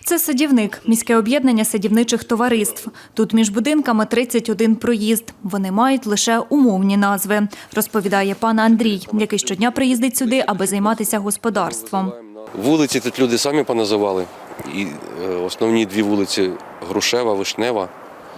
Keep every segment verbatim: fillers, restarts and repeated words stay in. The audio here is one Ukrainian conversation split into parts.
Це садівник – міське об'єднання садівничих товариств. Тут між будинками тридцять один проїзд. Вони мають лише умовні назви, розповідає пан Андрій, який щодня приїздить сюди, аби займатися господарством. Вулиці тут люди самі поназивали. І основні дві вулиці – Грушева, Вишнева.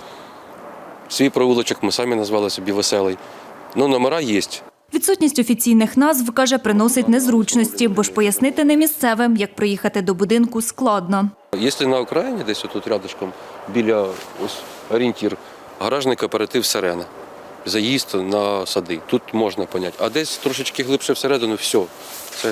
Свій провулочок ми самі назвали собі Веселий. Ну, номера є. Відсутність офіційних назв, каже, приносить незручності, бо ж пояснити не місцевим, як приїхати до будинку, складно. Якщо на Україні, десь отут рядышком, біля ось орієнтір, гаражний кооператив «Сирена», заїзд на сади, тут можна поняти. А десь трошечки глибше всередину – все. Це,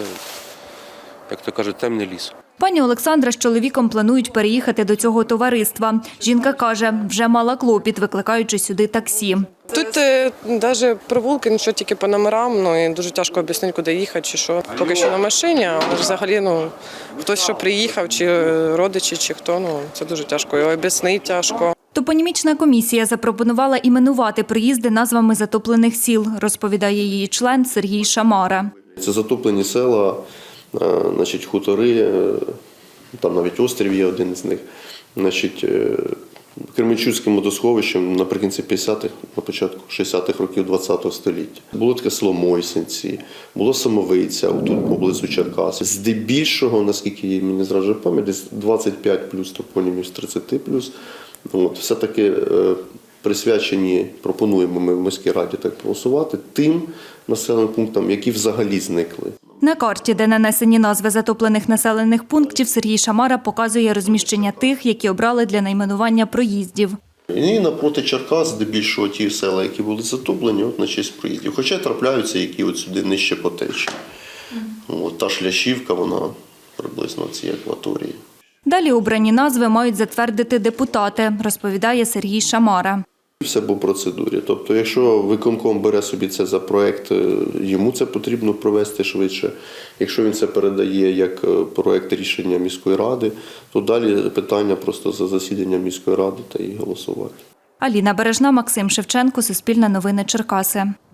як то кажуть, темний ліс. Пані Олександра з чоловіком планують переїхати до цього товариства. Жінка каже, вже мала клопіт, викликаючи сюди таксі. Тут навіть провулки, ну що тільки по номерам, ну і дуже тяжко об'яснити, куди їхати чи що. Поки що на машині, але взагалі, ну, хтось, що приїхав, чи родичі, чи хто, ну, це дуже тяжко, його об'яснити тяжко. Топонімічна комісія запропонувала іменувати приїзди назвами затоплених сіл, розповідає її член Сергій Шамара. Це затоплені села, значить, хутори, там навіть острів є один з них, значить, Кременчуцьким водосховищем наприкінці п'ятдесятих, на початку шістдесятих років ХХ століття. Було таке село Мойсенці, було Самовиця, тут поблизу Черкас. Здебільшого, наскільки мені зраджує пам'ять, десь двадцять п'ять плюс топонімів з тридцяти плюс. От, все-таки присвячені, пропонуємо ми в міській раді так проголосувати, тим населеним пунктам, які взагалі зникли. На карті, де нанесені назви затоплених населених пунктів, Сергій Шамара показує розміщення тих, які обрали для найменування проїздів. І напроти Черкас, здебільшого ті села, які були затоплені, от на честь проїздів. Хоча трапляються, які от сюди нижче по течії. От та Шляшівка, вона приблизно в цій акваторії. Далі обрані назви мають затвердити депутати, розповідає Сергій Шамара. Все по процедурі. Тобто, якщо виконком бере собі це за проєкт, йому це потрібно провести швидше. Якщо він це передає як проєкт рішення міської ради, то далі питання просто за засідання міської ради та і голосувати. Аліна Бережна, Максим Шевченко, Суспільне новини, Черкаси.